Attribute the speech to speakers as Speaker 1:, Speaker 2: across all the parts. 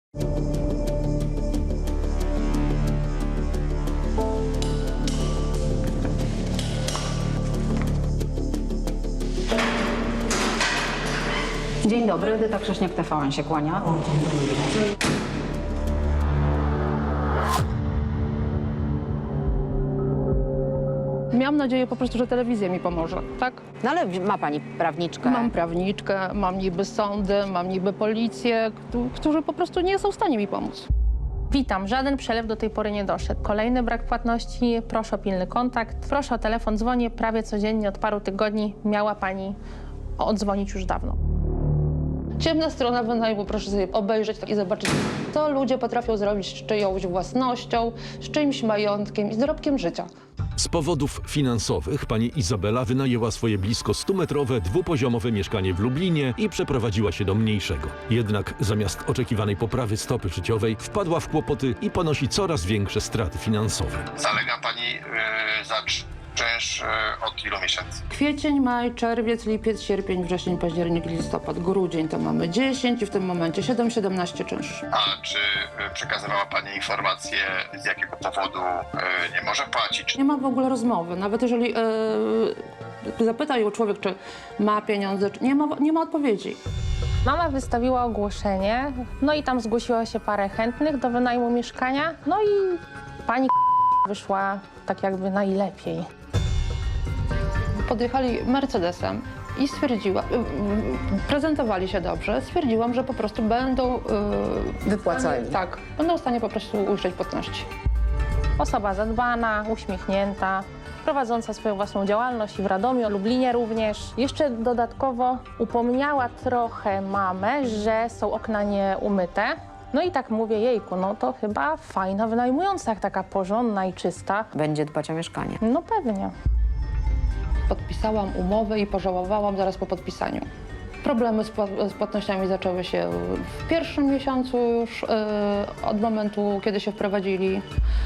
Speaker 1: Dzień dobry, Edyta Krześniak, TVN się kłania.
Speaker 2: Miałam nadzieję po prostu, że telewizja mi pomoże, tak?
Speaker 1: No ale ma pani prawniczkę.
Speaker 2: Mam prawniczkę, mam niby sądy, mam niby policję, którzy po prostu nie są w stanie mi pomóc.
Speaker 3: Witam, żaden przelew do tej pory nie doszedł. Kolejny brak płatności, proszę o pilny kontakt. Proszę o telefon, dzwonię prawie codziennie od paru tygodni. Miała pani odzwonić już dawno.
Speaker 2: Ciemna strona wynajmu, proszę sobie obejrzeć i zobaczyć, co ludzie potrafią zrobić z czyjąś własnością, z czyimś majątkiem i z dorobkiem życia.
Speaker 4: Z powodów finansowych pani Izabela wynajęła swoje blisko 100-metrowe, dwupoziomowe mieszkanie w Lublinie i przeprowadziła się do mniejszego. Jednak zamiast oczekiwanej poprawy stopy życiowej wpadła w kłopoty i ponosi coraz większe straty finansowe.
Speaker 5: Zalega pani za czynsz od ilu miesięcy?
Speaker 2: Kwiecień, maj, czerwiec, lipiec, sierpień, wrzesień, październik, listopad, grudzień to mamy 10 i w tym momencie 7-17 czynsz.
Speaker 5: A czy przekazywała pani informacje, z jakiego powodu nie może płacić?
Speaker 2: Nie ma w ogóle rozmowy, nawet jeżeli zapyta ją człowiek, czy ma pieniądze, czy nie ma odpowiedzi.
Speaker 3: Mama wystawiła ogłoszenie, no i tam zgłosiło się parę chętnych do wynajmu mieszkania, no i pani wyszła tak jakby najlepiej.
Speaker 2: Podjechali Mercedesem i stwierdziła, prezentowali się dobrze, stwierdziłam, że po prostu będą
Speaker 1: Wypłacali.
Speaker 2: Tak, będą w stanie po prostu ujrzeć płatności.
Speaker 3: Osoba zadbana, uśmiechnięta, prowadząca swoją własną działalność i w Radomiu, Lublinie również. Jeszcze dodatkowo upomniała trochę mamę, że są okna nieumyte. No i tak mówię, jejku, no to chyba fajna wynajmująca, jak taka porządna i czysta.
Speaker 1: Będzie dbać o mieszkanie.
Speaker 3: No pewnie.
Speaker 2: Podpisałam umowę i pożałowałam zaraz po podpisaniu. Problemy z płatnościami zaczęły się w pierwszym miesiącu już od momentu, kiedy się wprowadzili.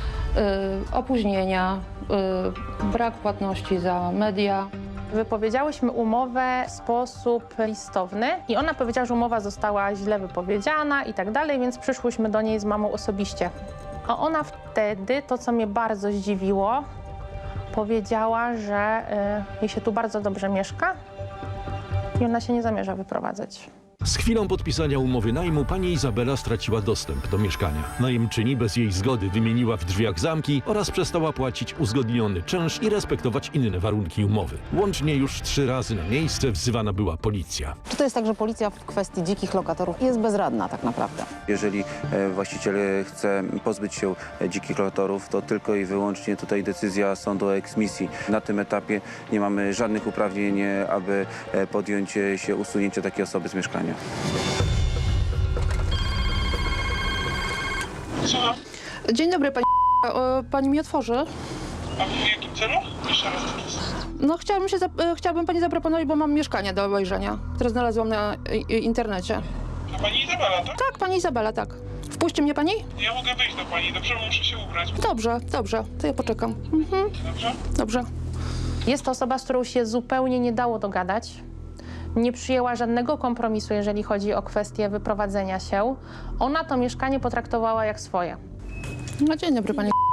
Speaker 2: Opóźnienia, brak płatności za media.
Speaker 3: Wypowiedziałyśmy umowę w sposób listowny i ona powiedziała, że umowa została źle wypowiedziana i tak dalej, więc przyszłyśmy do niej z mamą osobiście. A ona wtedy, to co mnie bardzo zdziwiło, powiedziała, że jej się tu bardzo dobrze mieszka i ona się nie zamierza wyprowadzać.
Speaker 4: Z chwilą podpisania umowy najmu pani Izabela straciła dostęp do mieszkania. Najemczyni bez jej zgody wymieniła w drzwiach zamki oraz przestała płacić uzgodniony czynsz i respektować inne warunki umowy. Łącznie już 3 razy na miejsce wzywana była policja.
Speaker 1: Czy to jest tak, że policja w kwestii dzikich lokatorów jest bezradna tak naprawdę?
Speaker 6: Jeżeli właściciel chce pozbyć się dzikich lokatorów, to tylko i wyłącznie tutaj decyzja sądu o eksmisji. Na tym etapie nie mamy żadnych uprawnień, aby podjąć się usunięcia takiej osoby z mieszkania.
Speaker 7: Słucham.
Speaker 2: Dzień dobry, pani. Pani mi otworzy?
Speaker 7: A w jakim celu? Jeszcze raz.
Speaker 2: No chciałabym pani zaproponować, bo mam mieszkanie do obejrzenia, które znalazłam na internecie.
Speaker 7: A pani Izabela, tak?
Speaker 2: Tak, pani Izabela, tak. Wpuści mnie pani?
Speaker 7: Ja mogę wejść do pani, dobrze? Muszę się ubrać.
Speaker 2: Dobrze, to ja poczekam.
Speaker 7: Dobrze?
Speaker 2: Dobrze.
Speaker 3: Jest to osoba, z którą się zupełnie nie dało dogadać. Nie przyjęła żadnego kompromisu, jeżeli chodzi o kwestię wyprowadzenia się. Ona to mieszkanie potraktowała jak swoje.
Speaker 2: No dzień dobry, pani.